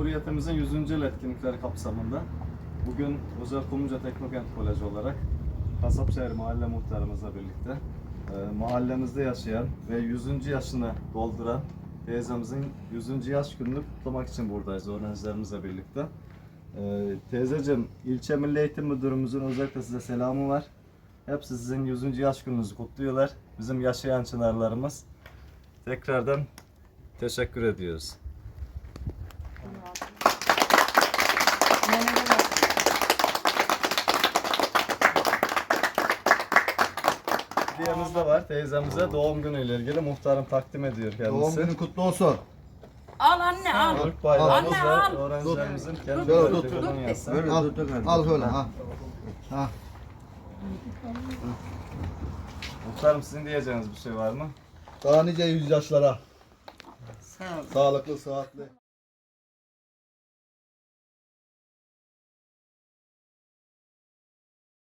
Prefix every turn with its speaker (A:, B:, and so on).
A: Cumhuriyetimizin 100. yıl etkinlikleri kapsamında bugün Özel Kumluca Teknokent Koleji olarak Kasapşehir Mahalle Muhtarımızla birlikte mahallemizde yaşayan ve 100. yaşını dolduran teyzemizin 100. yaş gününü kutlamak için buradayız öğrencilerimizle birlikte. Teyzeciğim, ilçe Milli Eğitim Müdürümüzün özellikle size selamı var. Hepsi sizin 100. yaş gününüzü kutluyorlar. Bizim yaşayan çınarlarımız. Tekrardan teşekkür ediyoruz. Hediyemiz de var teyzemize doğum günüyle ilgili muhtarım takdim ediyor kendisi.
B: Doğum günün kutlu olsun.
C: Al anne al.
A: Türk bayrağımız
C: Anne,
A: ve
C: al.
A: öğrencilerimizin kendi
B: Dur, dur,
A: kolonyası.
B: Al şöyle ha. Ha.
A: Muhtarım, sizin diyeceğiniz bir şey var mı?
B: Daha nice 100 yaşlara.
C: Sağ ol.
B: Sağlıklı, sıhhatli.